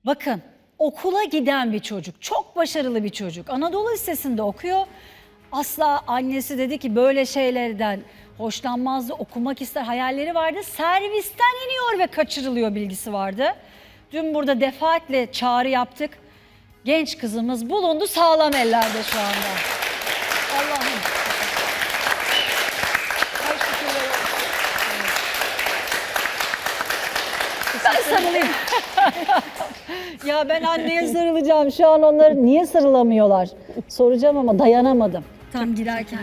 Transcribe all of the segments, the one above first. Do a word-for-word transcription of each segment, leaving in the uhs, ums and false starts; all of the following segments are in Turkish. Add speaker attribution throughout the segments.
Speaker 1: Bakın, okula giden bir çocuk, çok başarılı bir çocuk. Anadolu Lisesi'nde okuyor. Asla annesi dedi ki böyle şeylerden hoşlanmazdı, okumak ister, hayalleri vardı. Servisten iniyor ve kaçırılıyor bilgisi vardı. Dün burada defaatle çağrı yaptık. Genç kızımız bulundu, sağlam ellerde şu anda. Allah'ım. Ay şükürler olsun. Ben sarılayım. Ya ben anneye sarılacağım. Şu an onları niye sarılamıyorlar? Soracağım ama dayanamadım. Tam girerken.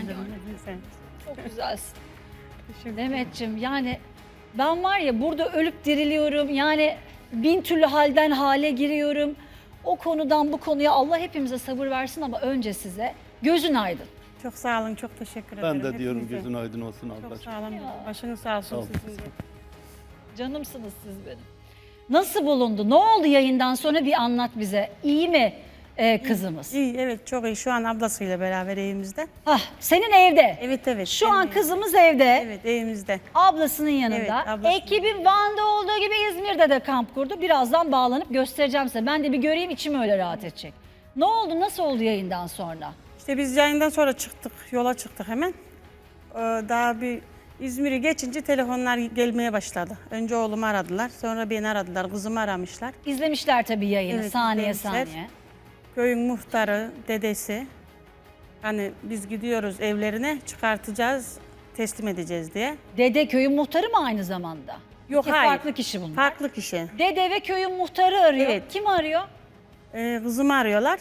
Speaker 1: Çok güzelsin. Demetciğim, yani ben var ya burada ölüp diriliyorum. Yani bin türlü halden hale giriyorum. O konudan bu konuya Allah hepimize sabır versin ama önce size gözün aydın.
Speaker 2: Çok sağ olun, çok teşekkür ederim.
Speaker 3: Ben de diyorum
Speaker 2: hepinize.
Speaker 3: gözün aydın olsun
Speaker 2: Çok
Speaker 3: ablacığım.
Speaker 2: sağ olun.
Speaker 1: Ya.
Speaker 2: Başınız sağ olsun
Speaker 3: Sağ ol.
Speaker 2: sizin de.
Speaker 1: Canımsınız siz benim. Nasıl bulundu? Ne oldu yayından sonra bir anlat bize. İyi mi e, kızımız?
Speaker 2: İyi, evet çok iyi. Şu an ablasıyla beraber evimizde.
Speaker 1: Hah, senin evde.
Speaker 2: Evet, evet.
Speaker 1: Şu
Speaker 2: benim
Speaker 1: an
Speaker 2: evim.
Speaker 1: kızımız evde.
Speaker 2: Evet, evimizde.
Speaker 1: Ablasının yanında.
Speaker 2: Evet, ablasının.
Speaker 1: Ekibin Van'da olduğu gibi İzmir'de de kamp kurdu. Birazdan bağlanıp göstereceğim size. Ben de bir göreyim, içim öyle rahat edecek. Ne oldu? Nasıl oldu yayından sonra?
Speaker 2: İşte biz yayından sonra çıktık, yola çıktık hemen. Ee, Daha bir İzmir'i geçince telefonlar gelmeye başladı. Önce oğlumu aradılar, sonra beni aradılar, kızımı aramışlar.
Speaker 1: İzlemişler tabii yayını,
Speaker 2: Evet,
Speaker 1: saniye
Speaker 2: izlemişler.
Speaker 1: saniye.
Speaker 2: Köyün muhtarı, dedesi, hani biz gidiyoruz evlerine, çıkartacağız, teslim edeceğiz diye.
Speaker 1: Dede köyün muhtarı mı aynı zamanda?
Speaker 2: Yok,
Speaker 1: İki
Speaker 2: hayır.
Speaker 1: farklı kişi bunlar.
Speaker 2: Farklı kişi.
Speaker 1: Dede ve köyün muhtarı arıyor.
Speaker 2: Evet.
Speaker 1: Kim arıyor?
Speaker 2: Ee, kızımı arıyorlar.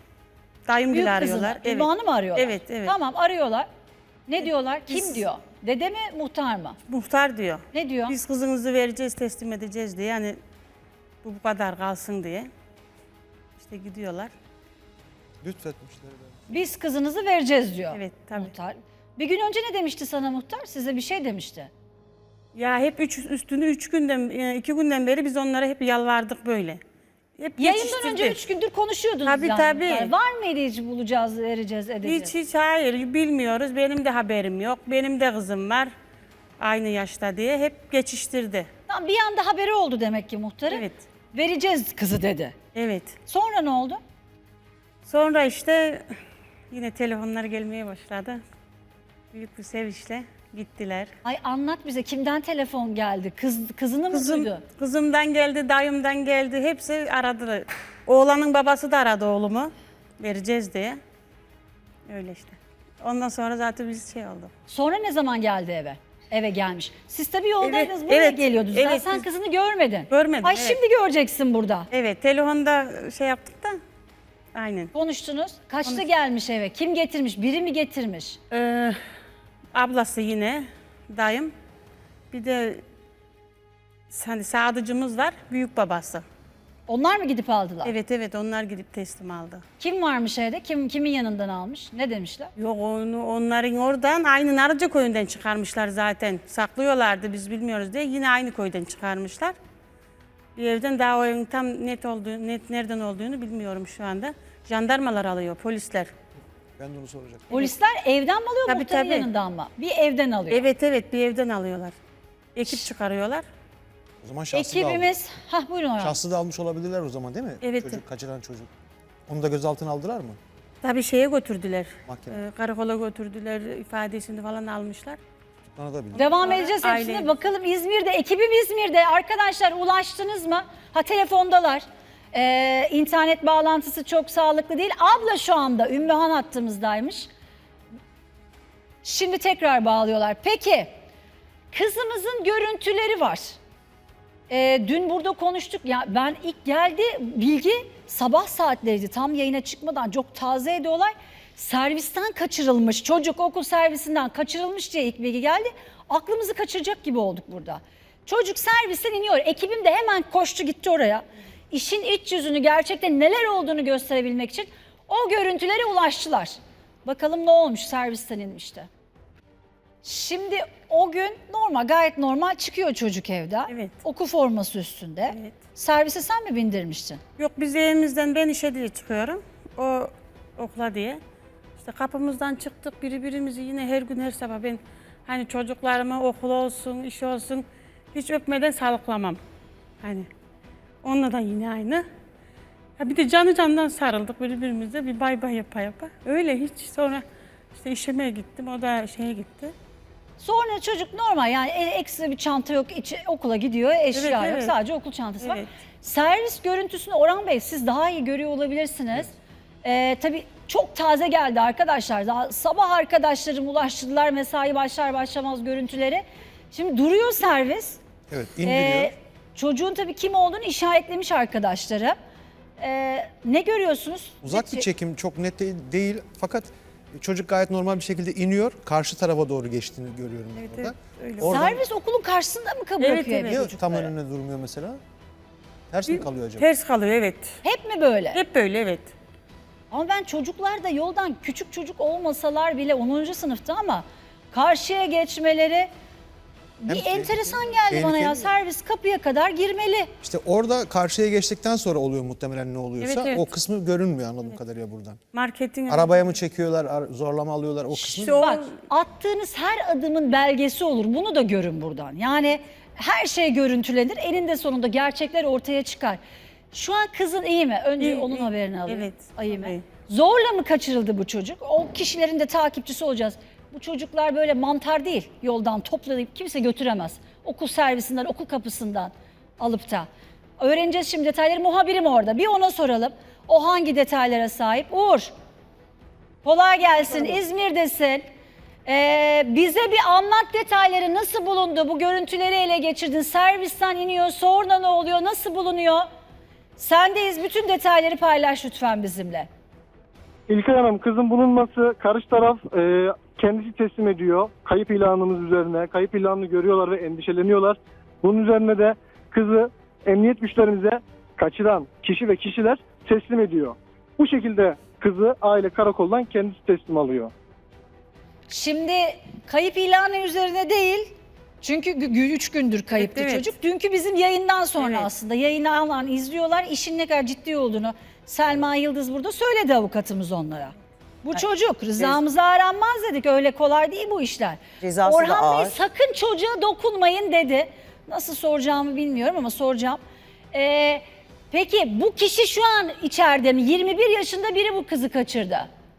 Speaker 2: Dayım
Speaker 1: Büyük
Speaker 2: gibi
Speaker 1: kızını.
Speaker 2: arıyorlar.
Speaker 1: Ümmü Hanım mı arıyorlar?
Speaker 2: Evet, evet.
Speaker 1: Tamam, arıyorlar. Ne diyorlar? Kim
Speaker 2: Biz-
Speaker 1: diyor? Dede mi, muhtar mı?
Speaker 2: Muhtar diyor.
Speaker 1: Ne diyor?
Speaker 2: Biz kızınızı vereceğiz, teslim edeceğiz diye. Yani bu bu kadar kalsın diye. İşte gidiyorlar.
Speaker 4: Lütfetmişler ben.
Speaker 1: Biz kızınızı vereceğiz diyor.
Speaker 2: Evet, tabii.
Speaker 1: Muhtar. Bir gün önce ne demişti sana muhtar? Size bir şey demişti.
Speaker 2: Ya hep üç, üstünü üç günden, e, iki günden beri biz onlara hep yalvardık böyle. Hep
Speaker 1: Yayından
Speaker 2: geçiştirdik.
Speaker 1: önce üç gündür konuşuyordunuz
Speaker 2: Tabii,
Speaker 1: yani.
Speaker 2: tabii.
Speaker 1: muhtar. Var mıydı hiç bulacağız, vereceğiz, edeceğiz?
Speaker 2: Hiç hiç hayır bilmiyoruz. Benim de haberim yok. Benim de kızım var. Aynı yaşta diye hep geçiştirdi.
Speaker 1: Tamam, bir anda haberi oldu demek ki muhtarın.
Speaker 2: Evet.
Speaker 1: Vereceğiz kızı dedi.
Speaker 2: Evet.
Speaker 1: Sonra ne oldu?
Speaker 2: Sonra işte yine telefonlar gelmeye başladı. Büyük bir sevinçle gittiler.
Speaker 1: Ay anlat bize, kimden telefon geldi? Kız kızını mı
Speaker 2: Kızım,
Speaker 1: duydu?
Speaker 2: kızımdan geldi, dayımdan geldi. Hepsi aradı. Oğlanın babası da aradı oğlumu. Vereceğiz diye. Öyle işte. Ondan sonra zaten biz şey oldu.
Speaker 1: Sonra ne zaman geldi eve? Eve gelmiş. Siz tabii yoldaydınız,
Speaker 2: Evet,
Speaker 1: buraya
Speaker 2: evet,
Speaker 1: geliyordunuz.
Speaker 2: evet,
Speaker 1: Daha sen
Speaker 2: biz-
Speaker 1: kızını görmedin.
Speaker 2: Görmedim,
Speaker 1: Ay
Speaker 2: evet.
Speaker 1: şimdi göreceksin burada.
Speaker 2: Evet, telefonda şey yaptık da. Aynen.
Speaker 1: Konuştunuz. Kaçta gelmiş eve? Kim getirmiş? Biri mi getirmiş?
Speaker 2: Ee, ablası yine, dayım. Bir de hani sadıcımız var, büyük babası.
Speaker 1: Onlar mı gidip aldılar?
Speaker 2: Evet evet onlar gidip teslim aldı.
Speaker 1: Kim varmış evde? Kim kimin yanından almış? Ne demişler?
Speaker 2: Yok onu onların oradan aynı Narıca köyünden çıkarmışlar zaten. Saklıyorlardı biz bilmiyoruz diye yine aynı köyden çıkarmışlar. Bir evden daha o evin tam net olduğu, net nereden olduğunu bilmiyorum şu anda. Jandarmalar alıyor, polisler.
Speaker 4: Ben de onu soracaktım.
Speaker 1: Polisler evden mi alıyor,
Speaker 2: Tabii,
Speaker 1: muhtarın
Speaker 2: tabii.
Speaker 1: yanından mı? Bir evden alıyor.
Speaker 2: Evet evet bir evden alıyorlar. Ekip çıkarıyorlar.
Speaker 4: O zaman şahsı da almış.
Speaker 1: Ekibimiz, hah buyurun hocam.
Speaker 4: Şahsı da almış olabilirler o zaman değil mi?
Speaker 2: Evet.
Speaker 4: Çocuk, kaçıran çocuk. Onu da gözaltına aldılar mı?
Speaker 2: Tabii şeye götürdüler.
Speaker 4: Mahkeme.
Speaker 2: Ee, karakola götürdüler, ifadesini falan almışlar.
Speaker 4: Tutuklanabilir.
Speaker 1: Devam
Speaker 2: Sonra
Speaker 1: edeceğiz hepsine.
Speaker 2: aile-
Speaker 1: Bakalım İzmir'de, ekibim İzmir'de. Arkadaşlar ulaştınız mı? Ha telefondalar. Ee, internet bağlantısı çok sağlıklı değil. Abla şu anda Ümmühan hattımızdaymış. Şimdi tekrar bağlıyorlar. Peki kızımızın görüntüleri var. Ee, dün burada konuştuk. Ya ben ilk geldi bilgi sabah saatleriydi. Tam yayına çıkmadan çok tazeydi olay. Servisten kaçırılmış. Çocuk okul servisinden kaçırılmış diye ilk bilgi geldi. Aklımızı kaçıracak gibi olduk burada. Çocuk servisten iniyor. Ekibim de hemen koştu gitti oraya. İşin iç yüzünü, gerçekten neler olduğunu gösterebilmek için o görüntülere ulaştılar. Bakalım ne olmuş, servisten inmişti. Şimdi o gün normal, gayet normal çıkıyor çocuk evden.
Speaker 2: Evet.
Speaker 1: Okul forması üstünde.
Speaker 2: Evet.
Speaker 1: Servise sen mi bindirmiştin?
Speaker 2: Yok biz evimizden ben işe diye çıkıyorum. O okula diye. İşte kapımızdan çıktık birbirimizi yine her gün her sabah ben hani çocuklarımı okul olsun, iş olsun hiç öpmeden sağlıklamam. Hani onunla da yine aynı. Ha bir de canı candan sarıldık birbirimize, bir bay bay yapa yapa. Öyle hiç sonra işte işeme gittim, o da şeye gitti.
Speaker 1: Sonra çocuk normal yani e- ekstra bir çanta yok, içi, okula gidiyor, eşya
Speaker 2: Evet,
Speaker 1: yok,
Speaker 2: evet.
Speaker 1: sadece okul çantası var.
Speaker 2: Evet.
Speaker 1: Servis görüntüsünü Orhan Bey siz daha iyi görüyor olabilirsiniz. Ee, tabii çok taze geldi arkadaşlar. Daha sabah arkadaşlarım ulaştırdılar mesai başlar başlamaz görüntüleri. Şimdi duruyor servis.
Speaker 4: Evet, indiriyor.
Speaker 1: Ee, çocuğun tabii kim olduğunu işaretlemiş arkadaşları. Ee, ne görüyorsunuz?
Speaker 4: Uzak
Speaker 1: Ne-
Speaker 4: bir çekim, çok net de- değil fakat çocuk gayet normal bir şekilde iniyor. Karşı tarafa doğru geçtiğini görüyorum
Speaker 2: Evet,
Speaker 4: burada.
Speaker 2: evet, öyle.
Speaker 4: Oradan
Speaker 1: Servis okulun karşısında mı kabul
Speaker 2: Evet,
Speaker 1: yapıyor
Speaker 2: evet.
Speaker 4: niye tam
Speaker 1: çocukları?
Speaker 4: önüne durmuyor mesela? Ters mi kalıyor acaba?
Speaker 2: Ters kalıyor, evet.
Speaker 1: Hep mi böyle?
Speaker 2: Hep böyle, evet.
Speaker 1: Ama ben çocuklar da yoldan küçük çocuk olmasalar bile onuncu sınıfta ama karşıya geçmeleri bir
Speaker 4: Hem
Speaker 1: enteresan
Speaker 4: tehlikeli,
Speaker 1: geldi bana ya.
Speaker 4: tehlikeli.
Speaker 1: Servis kapıya kadar girmeli.
Speaker 4: İşte orada karşıya geçtikten sonra oluyor muhtemelen ne oluyorsa.
Speaker 2: Evet, evet.
Speaker 4: O kısmı görünmüyor anladığım kadarıyla buradan.
Speaker 2: Marketin...
Speaker 4: Arabaya mı çekiyorlar, ar- zorlama alıyorlar o kısmı.
Speaker 2: İşte o-
Speaker 1: Bak attığınız her adımın belgesi olur. Bunu da görün buradan. Yani her şey görüntülenir. Eninde sonunda gerçekler ortaya çıkar. Şu an kızın iyi mi? Önce
Speaker 2: İyi,
Speaker 1: onun
Speaker 2: iyi.
Speaker 1: haberini alayım.
Speaker 2: Evet,
Speaker 1: İyi mi?
Speaker 2: iyi.
Speaker 1: Zorla mı kaçırıldı bu çocuk? O kişilerin de takipçisi olacağız. Bu çocuklar böyle mantar değil. Yoldan toplayıp kimse götüremez. Okul servisinden, okul kapısından alıp da. Öğreneceğiz şimdi detayları. Muhabirim orada. Bir ona soralım. O hangi detaylara sahip? Uğur. Kolay gelsin. İzmir'desin. Ee, bize bir anlat detayları. Nasıl bulundu? Bu görüntüleri ele geçirdin. Servisten iniyor. Sonra ne oluyor? Nasıl bulunuyor? Sendeyiz. Bütün detayları paylaş lütfen bizimle.
Speaker 3: İlkay Hanım, kızın bulunması karşı taraf e, kendisi teslim ediyor. Kayıp ilanımız üzerine. Kayıp ilanını görüyorlar ve endişeleniyorlar. Bunun üzerine de kızı emniyet güçlerimize kaçıran kişi ve kişiler teslim ediyor. Bu şekilde kızı aile karakoldan kendisi teslim alıyor.
Speaker 1: Şimdi kayıp ilanı üzerine değil. Çünkü üç gündür kayıptı
Speaker 2: Evet, evet.
Speaker 1: çocuk. Dünkü bizim yayından sonra
Speaker 2: Evet.
Speaker 1: aslında yayını alan izliyorlar. İşin ne kadar ciddi olduğunu Selma Yıldız burada söyledi avukatımız onlara. Bu çocuk rızamıza aranmaz dedik. Öyle kolay değil bu işler.
Speaker 5: Cezası da
Speaker 1: Orhan Bey
Speaker 5: ağır.
Speaker 1: sakın çocuğa dokunmayın dedi. Nasıl soracağımı bilmiyorum ama soracağım. Ee, peki bu kişi şu an içeride mi? yirmi bir yaşında biri bu kızı kaçırdı.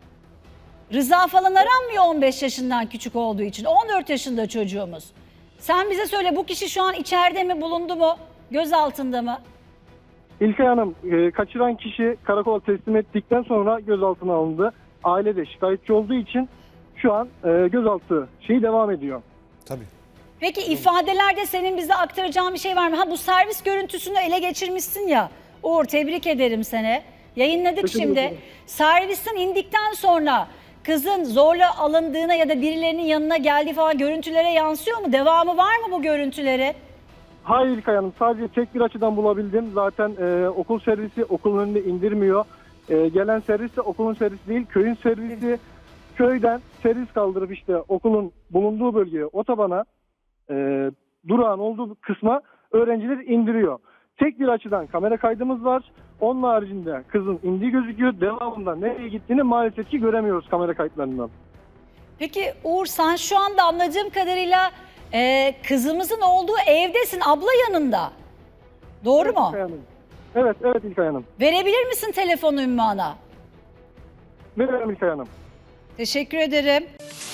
Speaker 1: Rıza falan aranmıyor on beş yaşından küçük olduğu için. on dört yaşında çocuğumuz. Sen bize söyle bu kişi şu an içeride mi, bulundu mu? Gözaltında mı?
Speaker 3: İlkay Hanım, e, kaçıran kişi karakola teslim ettikten sonra gözaltına alındı. Aile de şikayetçi olduğu için şu an e, gözaltı şeyi devam ediyor.
Speaker 4: Tabii.
Speaker 1: Peki ifadelerde senin bize aktaracağın bir şey var mı? Ha bu servis görüntüsünü ele geçirmişsin ya. Uğur tebrik ederim seni. Yayınladık
Speaker 3: Teşekkür
Speaker 1: şimdi.
Speaker 3: ederim.
Speaker 1: Servisten indikten sonra kızın zorla alındığına ya da birilerinin yanına geldiği falan görüntülere yansıyor mu? Devamı var mı bu görüntüleri?
Speaker 3: Hayır İlkay Hanım, sadece tek bir açıdan bulabildim. Zaten e, okul servisi okulun önünde indirmiyor. E, gelen servis de okulun servisi değil, köyün servisi. Köyden servis kaldırıp işte okulun bulunduğu bölgeye, otobana, e, durağın olduğu kısma öğrenciler indiriyor. Tek bir açıdan kamera kaydımız var. Onun haricinde kızın indiği gözüküyor. Devamında nereye gittiğini maalesef ki göremiyoruz kamera kayıtlarından.
Speaker 1: Peki Uğur sen şu anda anladığım kadarıyla e, kızımızın olduğu evdesin, abla yanında. Doğru
Speaker 3: Evet
Speaker 1: mu?
Speaker 3: İlkay Hanım. Evet, evet İlkay Hanım.
Speaker 1: Verebilir misin telefonu Ümmü Ana?
Speaker 3: Veriyorum İlkay Hanım.
Speaker 1: Teşekkür ederim.